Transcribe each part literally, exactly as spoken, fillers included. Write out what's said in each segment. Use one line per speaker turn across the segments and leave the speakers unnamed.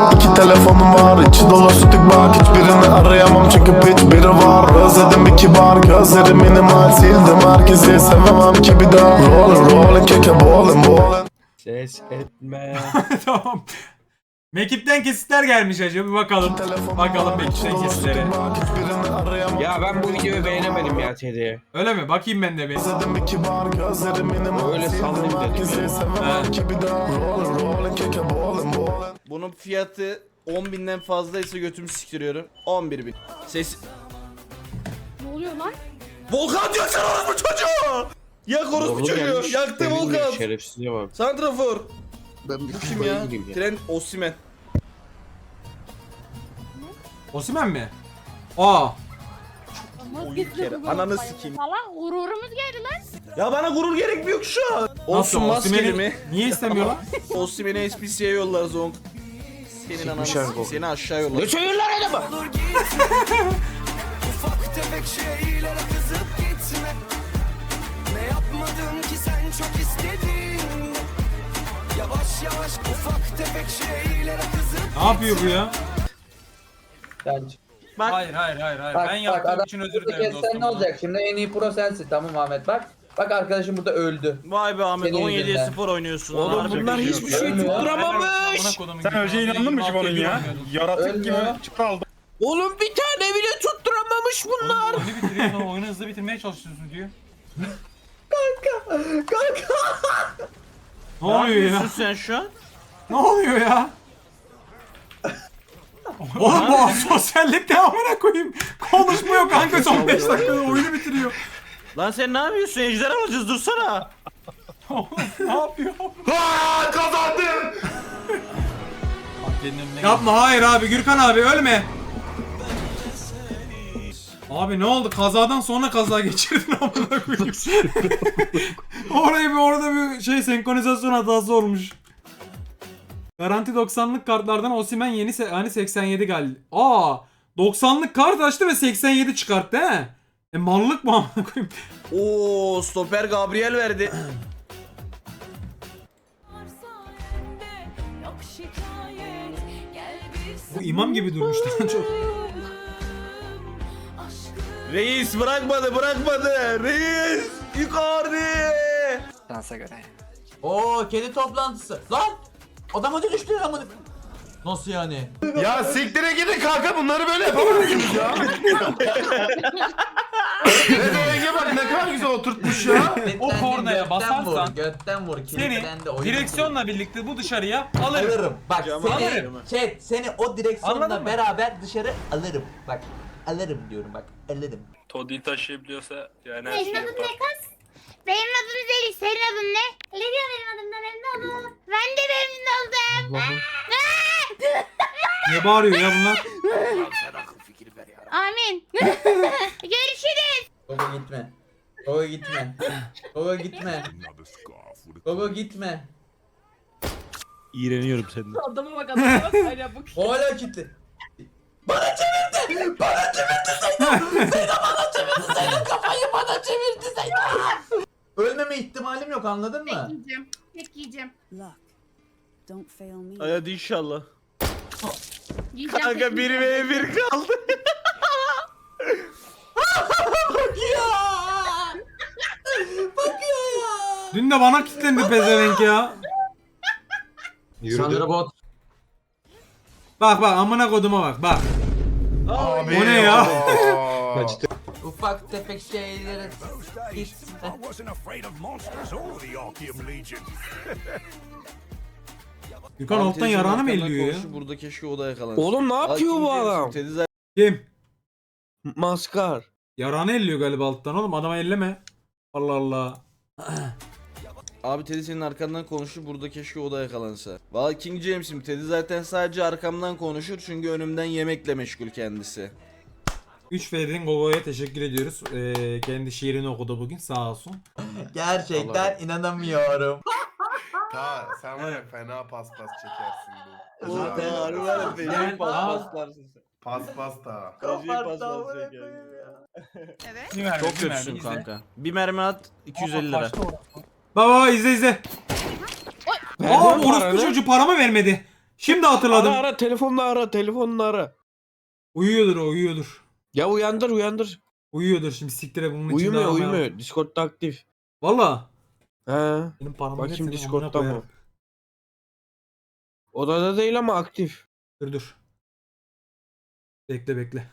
İki telefonum var, içi dolu sütük bak. Hiçbirini arayamam çünkü piç biri var. Özledim bir kibar, gözlerim minimal. Sildim herkesi, sevemem ki bir daha. Rollin' rollin' keke ballin' ballin'.
Ses etme.
Tamam. Mekipten kesitler gelmiş acaba, bir bakalım. Bakalım Mekipten kesitlere.
Ya ben bu videoyu beğenemedim ya Teddy.
Öyle mi? Bakayım ben de bir.
Özledim bir kibar, gözlerim minimal.
Öyle sallayayım
Sildim
dedim
herkesi,
ya.
sevemem ki bir daha. Rollin' rollin' keke ballin' ballin'.
Bunun fiyatı on binden fazlaysa götümü siktiriyorum. on bir bin. Ses...
Ne oluyor lan?
Volkan diyor sen orospu çocuğu! Yak orospu
Oğlum
çocuğu!
gelmiş,
Yaktı
demin de
Volkan!
Şerefsizliğe bak.
Santrafor!
Ben bir
Bu kim ya? Trent Osimhen.
Osimhen mi? Aa.
Ama
bir kere, ananı sikeyim.
Salak gururumuz geldi lan.
Ya bana gurur gerekmiyor şu an.
Nasıl
Olsun maskeli
Osimhen'i
mi?
niye istemiyorlar?
Osimhen'i S P C'ye yollar Zonk. Senin ananı
Sikmişler
sikeyim,
bu.
seni aşağı yollar.
Ne söylüyorlar adamı?
Ufak tefek şeylere kızıp gitme. Ne yapmadım ki sen çok istedin. Yavaş yavaş ufak tefek şeylere kızıp
Ne yapıyor bu ya?
Bence.
Hayır hayır hayır hayır.
Bak,
ben
bak,
yaptığım
adam
için özür
burada
dilerim
kessen
dostum.
ne olacak şimdi? En iyi pro sensin. Tamam Ahmet bak. Bak arkadaşım burada öldü.
Vay be Ahmet
Senin
on yediye
yüzünden.
sıfır oynuyorsun.
Oğlum
Harbi
bunlar
bir şey
hiçbir
yok.
şey
Ölmüyor.
tutturamamış.
Sen önce inandın mı ki bunun ya? Yaratık gibi
Ölmüyor.
çıkardı.
Oğlum bir tane bile tutturamamış bunlar.
Oyunu bitiriyor sonra oyunu hızlı bitirmeye çalışıyorsun diyor.
Kanka.
Ne oluyor ya?
yapıyorsun sen şu an?
Ne oluyor ya? Oğlum bu sosyallik devamına koyayım. Konuşmuyor kanka, son beş dakikada oyunu bitiriyor.
Lan sen ne yapıyorsun? Ejder alacağız dursana.
Oğlum ne yapıyor?
Aa, kazandım.
Yapma, hayır abi, Gürkan abi ölme. Abi ne oldu? Kazadan sonra kaza geçirdin amına koyayım. Orayı bir orada bir şey senkronizasyon hatası olmuş. Garanti doksanlık kartlardan Osimhen yeni se- hani seksen yedi geldi. Aa, doksanlık kart açtı ve seksen yedi çıkarttı he. E mallık mı amına koyayım?
Oo, stoper Gabriel verdi.
Bu imam gibi durmuştu çok.
Reis bırakmadı, bırakmadı. Reis Icardi.
Dansa göre.
Oo kedi toplantısı. Lan! Adama düştü lan bunu. Nasıl yani?
Ya siktire gidin kanka, bunları böyle yapamazsınız ya. Rezenge bak ne kadar güzel oturtmuş ya.
O kornaya
Götten
basarsan
vur, götten vur.
Seni
Kilitlendi, oyun
direksiyonla birlikte bu dışarıya alırım.
alırım. Bak
Camı
seni,
alırım.
chat seni o
Anladın
direksiyonla
mı?
beraber dışarı alırım. Bak alırım diyorum bak alırım.
Toddy'yi taşıyabiliyorsa yani her
Senin
şeyi
adın
yapar.
ne kız? Benim adım Zeliş. Senin adın ne? Ne diyor benim adımdan memnun oldum. Ben de memnun oldum.
Ne bağırıyor ya bunlar?
Amin. Görüşürüz.
Gogo gitme. Gogo gitme. Gogo gitme. Gogo gitme.
İğreniyorum senden.
Adama bak adama bak. Hala bu.
Hala kilitli. Bana çevirdi. Bana çevirdi Zeyno. Zeyno bana çevirdi. Zeyno kafayı bana çevirdi Zeyno. Ölmeme ihtimalim yok, anladın mı?
Yiyeceğim. Tek yiyeceğim.
Don't fail me.
Hadi inşallah.
Yiyeceğim.
Kanka bir ve bir kaldı.
Dün de bana kilitlendi pezevenk ya.
Sandra Bot.
Bak bak amına koduma bak bak.
Abi,
O ne ya?
aa.
Ufak tefek şeylere gitme.
Gürkan alttan yarağını mı elliyor ya?
Burada keşke o da yakalansın.
Oğlum ne yapıyor bu
Aa,
adam?
Teddy zaten
Kim?
Maskar.
Yarağını elliyor galiba alttan oğlum, adama elleme. Allah Allah.
Abi Teddy senin arkandan konuştu, burada keşke o da yakalansa. Valla King James'im, Teddy zaten sadece arkamdan konuşur çünkü önümden yemekle meşgul kendisi.
üç F'den Gogo'ya teşekkür ediyoruz. Ee, kendi şiirini okudu bugün, sağ olsun.
Gerçekten inanamıyorum.
Ta sen var ya fena paspas çekersin bu.
Zaten
Aa,
Harbi var ya, feci
Yani-
paslarsın sen.
Paspas da.
Feci
Kapat
paslar
amına
çeker.
koyayım ya.
Bir mermi,
Çok
bir mermi,
kötüsün
izle.
kanka. Bir mermi at iki yüz elli lira.
Baba baba izle izle. Aa orospu çocuğu paramı vermedi. Şimdi hatırladım.
Ara ara telefonla ara telefonla ara.
Uyuyordur o uyuyordur.
Ya uyandır uyandır.
Uyuyordur şimdi siktire bunun içinde.
Uyumuyor
aramaya-
uyumuyor. Discord'da aktif.
Valla.
He.
Benim paramı
Bakayım
getirdim, amına
Discord'da mı?
koyarım.
Odada değil ama aktif.
Dur dur. Bekle bekle.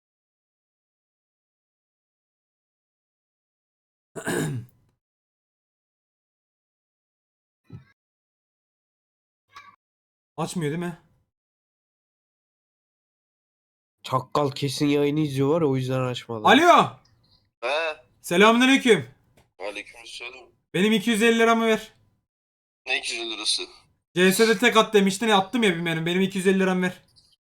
Açmıyor değil mi?
Çakkal kesin yayını izliyor var ya o yüzden açmadı.
Alo.
He,
Selamünaleyküm.
aleykümselam.
Benim iki yüz elli liramı ver.
Ne iki yüz lirası?
C S'de tek at demiştin ya attım ya bir benim. Benim iki yüz elli liramı ver.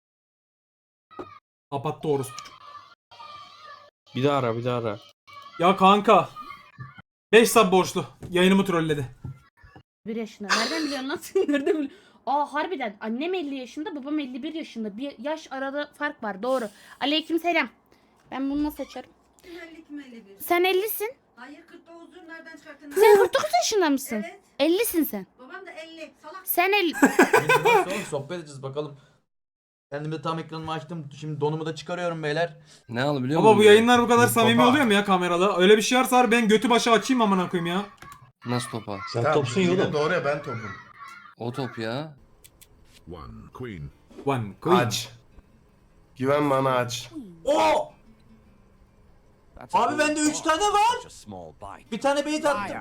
Kapattı orospu.
Bir daha ara bir daha ara.
Ya kanka. beş sub borçlu. Yayınımı trolledi.
bir yaşında. Nereden biliyorsun lan? Nereden biliyorsun? Aa harbiden. Annem elli yaşında, babam elli bir yaşında. Bir yaş arada fark var. Doğru. Aleykümselam. Ben bunu nasıl açarım? Sen ellisin.
Hayır kırk dokuz'u nereden çıkarttın?
Sen kırk dokuz yaşında mısın?
Evet.
ellisin sen.
Babam da elli. Salak.
Sen elli.
Oğlum sohbet edeceğiz bakalım. Kendime tam ekranımı açtım. Şimdi donumu da çıkarıyorum beyler.
Ne al biliyor
Baba bu yayınlar bu kadar
Baba.
samimi oluyor mu ya kamerada? Öyle bir şey varsa harbi ben götü başı açayım amına koyayım ya.
Nasıl topa?
Sen topsun yine doğru ya ben topum.
O top ya.
One queen.
One queen.
Aç. Güven bana aç.
Oo! Abi bende üç tane var. Bir tane bait attım.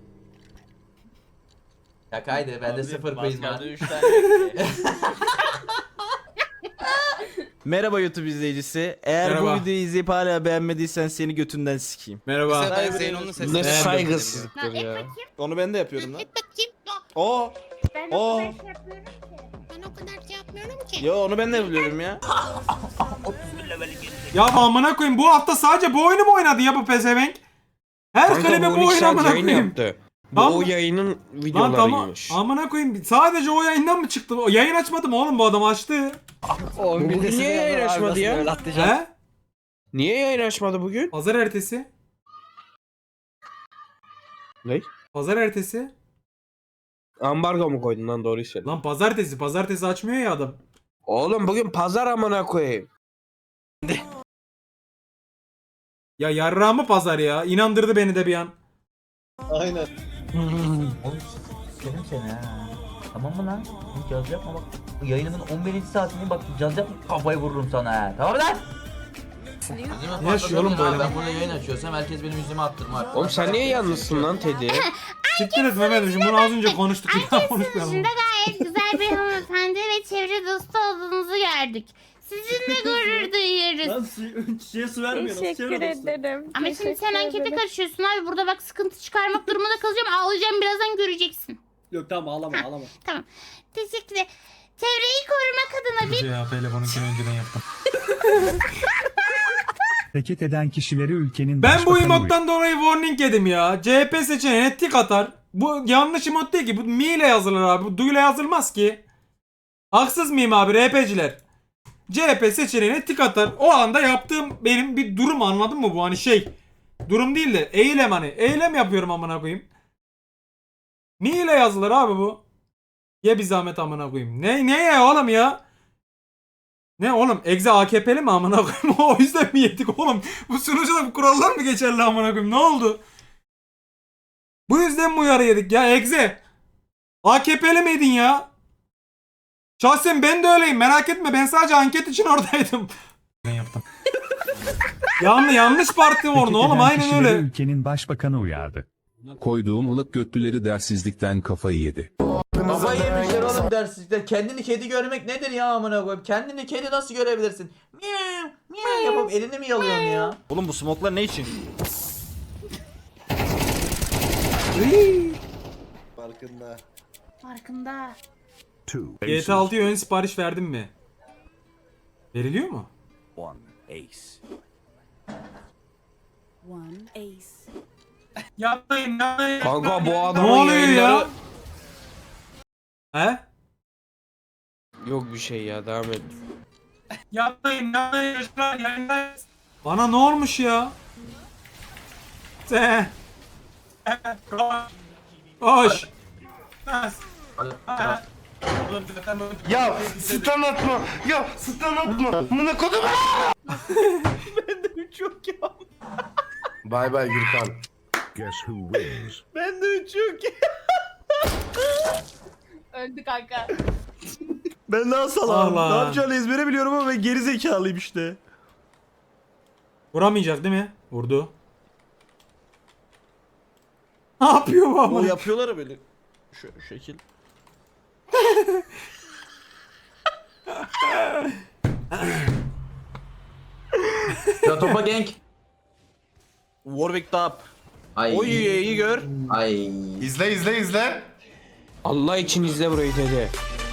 Ya kaydı bende sıfır coin var. Merhaba YouTube izleyicisi. Eğer
Merhaba.
bu videoyu izleyip hala beğenmediysen seni götünden sikeyim.
Merhaba.
Ne saygısızlıktır
Et
ya.
bakayım.
Onu ben de yapıyorum lan.
Et bakayım.
Oo.
Ben
Oo.
o kadar şey yapıyorum ki. Ben o kadar şey yapmıyorum ki.
Yo onu ben de yapıyorum ya.
Ya amına koyayım bu hafta sadece bu oyunu mu oynadı ya bu pezevenk? Her
Kanka
klibe
bu
bu oyun
Unixer
amına
yayın
koyayım.
yaptı. Bu
Tamam.
o yayının
Lan tamam.
videolarıymış.
Amına koyayım sadece o yayından mı çıktı? O yayın açmadı mı oğlum bu adam açtı.
Bugün niye yayın açmadı ya?
He?
Niye yayın açmadı bugün?
Pazar ertesi.
Ne?
Pazar ertesi.
Ambargo mu koydun lan doğruyu söyle.
Lan pazartesi. Pazartesi açmıyor ya adam.
Oğlum bugün pazar amına koyayım.
Ya yarrağımı pazar ya. İnandırdı beni de bir an.
Aynen.
Oğlum sikerim seni ha. Tamam mı lan? Hiç caz yapma bak. Bu yayınımın on birinci saatini bak caz yapma kafayı vururum sana ha. Tamam mı lan?
Ne yaşıyor oğlum böyle?
Ben burada yayın açıyorsam herkes benim yüzüme attırma.
Oğlum sen niye yalnızsın lan Teddy?
Siktir et Mehmet'im. Bunu az önce konuştuk. Bir daha konuşmayalım.
Dışında gayet güzel bir hanımefendi ve çevre dostu olduğunuzu gördük. Sizinle gurur duyuyoruz.
Çiçeğe su vermiyorum.
Teşekkür ederim. Ama şimdi sen ankete karışıyorsun abi. Burada bak sıkıntı çıkarmak durumunda kalacağım. Ağlayacağım birazdan göreceksin.
Yok tamam ağlama ağlama.
Tamam. Teşekkürler. Çevreyi korumak adına bir
C H P'yle bununkini önceden yaptım.
Hareket eden kişileri ülkenin
Ben bu emottan dolayı warning yedim ya. C H P seçeneğine tik atar. Bu yanlış emot değil ki. Bu mi ile yazılır abi. Bu du ile yazılmaz ki. Haksız mıyım abi R P'ciler? C H P seçeneğine tik atar. O anda yaptığım benim bir durum anladın mı bu hani şey. Durum değil de eylem hani. Eylem yapıyorum amına koyayım. Mi ile yazılır abi bu. Ye bir zahmet amına koyayım. Ne ne ya oğlum ya? Ne oğlum? Egze A K P'li mi amına koyayım? O yüzden mi yedik oğlum? Bu sunucuda bu kurallar mı geçerli amına koyayım? Ne oldu? Bu yüzden mi uyarı yedik ya Egze? A K P'li miydin ya? Şahsen ben de öyleyim. Merak etme. Ben sadece anket için oradaydım. Ben yaptım. Yanlış yanlış parti orada oğlum. Aynen öyle.
Ülkenin başbakanı uyardı.
Koyduğum ılık götlüleri dersizlikten kafayı yedi.
Kafayı yemişler oğlum dersizlikler. Kendini kedi görmek nedir ya amına koyayım? Kendini kedi nasıl görebilirsin? Miyav miyav yapıp elini mi yalıyorsun ya? Oğlum bu smoklar ne için?
Farkında.
farkında.
G T A altıya ön sipariş verdin mi? Veriliyor mu? Yapmayın yapmayın.
Kanka bu
Ne
adamın
oluyor ya?
yayınları...
He?
Yok bir şey ya devam et.
Yapmayın yapmayın çocuklar yayındayız. Bana ne olmuş ya? Sen. Koş. Koş.
Ya stun atma. Ya stun atma. Mına kodum.
Ben de üç yok ya.
Bay bay Gürkan.
Guess who wins?
Ben de üç yok ya.
Öldü kanka.
Ben daha salağım.
Allah.
Ne yapacağını ezbere biliyorum ama ben geri zekalıyım işte.
Vuramayacak değil mi? Vurdu. Ne yapıyor bu
O
ama?
yapıyorlar ya böyle. Şu şekil.
Ya topa gank.
Warwick Top.
Ay.
Oy iyi gör.
Ay.
İzle izle izle.
Allah için izle burayı dedi.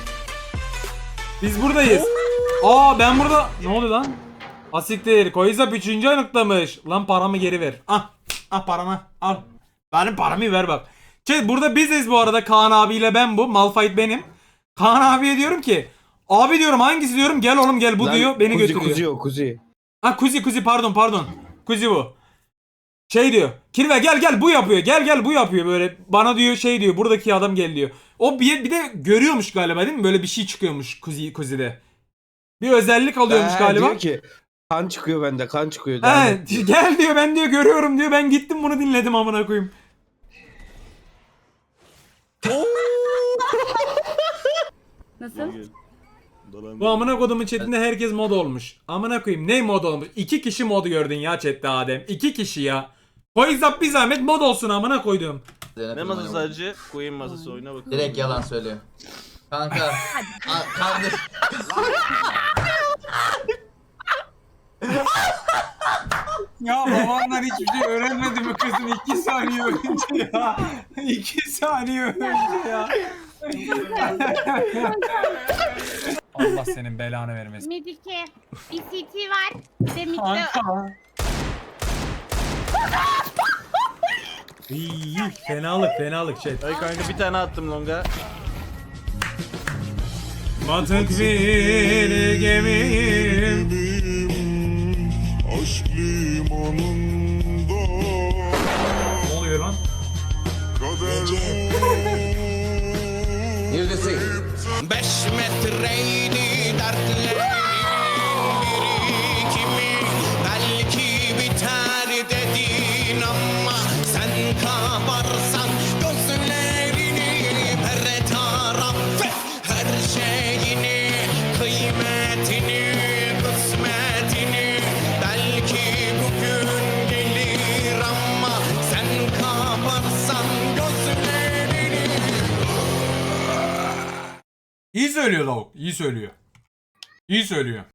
Biz buradayız. Aa ben burada. Ne oluyor lan? Asiktir. Koyuzap üçüncü aylıklamış. Lan paramı geri ver. Ah. Ah paramı. Al. Benim paramı ver bak. Şey burada biziz bu arada. Kaan abiyle ben bu. Malphite benim. Kaan abiye diyorum ki. Abi diyorum hangisi diyorum. Gel oğlum gel bu
Lan,
diyor. Beni
kuzi,
götürüyor.
Kuzi o kuzi.
Ha kuzi kuzi pardon pardon. Kuzi bu. Şey diyor. Kirve gel gel bu yapıyor. Gel gel bu yapıyor böyle. Bana diyor şey diyor. Buradaki adam gel diyor. O bir, bir de görüyormuş galiba değil mi? Böyle bir şey çıkıyormuş kuzi kuzide. Bir özellik alıyormuş
Ha,
galiba.
Diyor ki kan çıkıyor bende kan çıkıyor. devam
He,
et.
gel diyor ben diyor görüyorum diyor. Ben gittim bunu dinledim amına koyayım.
Nasıl?
Bu amına kodumun chatinde herkes mod olmuş. Amına koyayım ne mod olmuş? İki kişi modu gördün ya chatte Adem. İki kişi ya. Koyuzap bir zahmet mod olsun amına koydum.
Ne masası sadece? Queen masası oyuna bakalım.
Direkt yalan söylüyor. Kanka. a- kardeş.
Ya babanlar hiçbir şey öğrenmedi mi kızım? İki saniye önce ya. İki saniye önce ya. Allah senin belanı vermesin.
Medike. Bir C T var. Bir de mikro.
Kanka. İyi, fenalık fenalık chat.
Ay kanka bir tane attım longa.
Batık bir gemiyim.
Aşk limanında
Ne oluyor lan?
Neredesin?
Beş metreydi dertlerin birikimi. Belki biter dedin ama sen kabarsan gözlerini her taraf her şeyini kıymetini kısmetini belki bugün gelir ama sen kabarsan gözlerini.
İyi söylüyor lavuk. İyi söylüyor. İyi söylüyor.